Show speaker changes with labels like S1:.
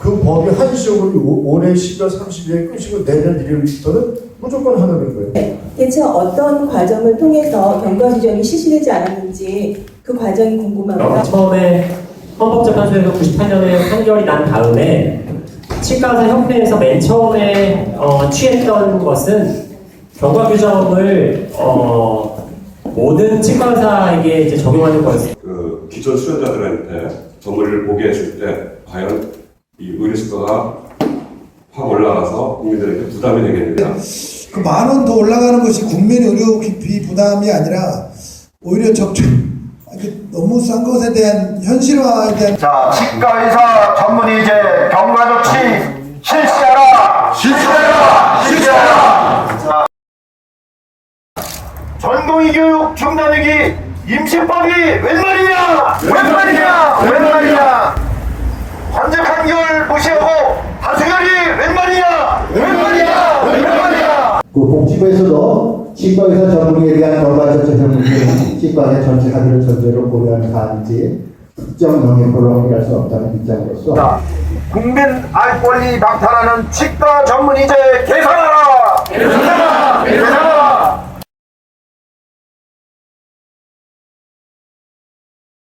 S1: 그 법이 한시적으로 올해 12월 30일에 끝이고 내년 1일부터는 무조건 하는 거예요.
S2: 대체 어떤 과정을 통해서 경과 규정이 실시되지 않았는지 그 과정이 궁금합니다.
S3: 처음에 헌법재판소에서 98년에 판결이 난 다음에 치과의사 협회에서 맨 처음에 취했던 것은 경과 규정을 모든 치과의사에게 이제 적용하는 거였습니다.
S4: 그 기존 수련자들한테 전문의를 보게 했을 때 과연 이 의료수가가 확 올라가서 국민들에게 부담이 되겠느냐.
S5: 그 10,000원 더 올라가는 것이 국민 의료비 부담이 아니라 오히려 너무 싼 것에 대한 현실화에 대한.
S6: 자, 치과의사 전문의제 경과 조치 실시하라! 실시하라! 실시하라! 자, 전공의 교육 중단위기 임시법이 웬 말이냐! 웬 말이냐! 웬 말이냐! 관제 판결 무시하고 다수결이 웬 말이냐! 웬 말이냐! 웬 말이냐!
S7: 그 복지부에서도 치과의사 전문의에 대한 결과조치 문제는 치과의 전체 합의를 전제로 고려한 사안이지 특정 영역으로 해결할 수 없다는 입장으로서
S6: 국민 알 권리 방탄하는 치과 전문의제 개선하라!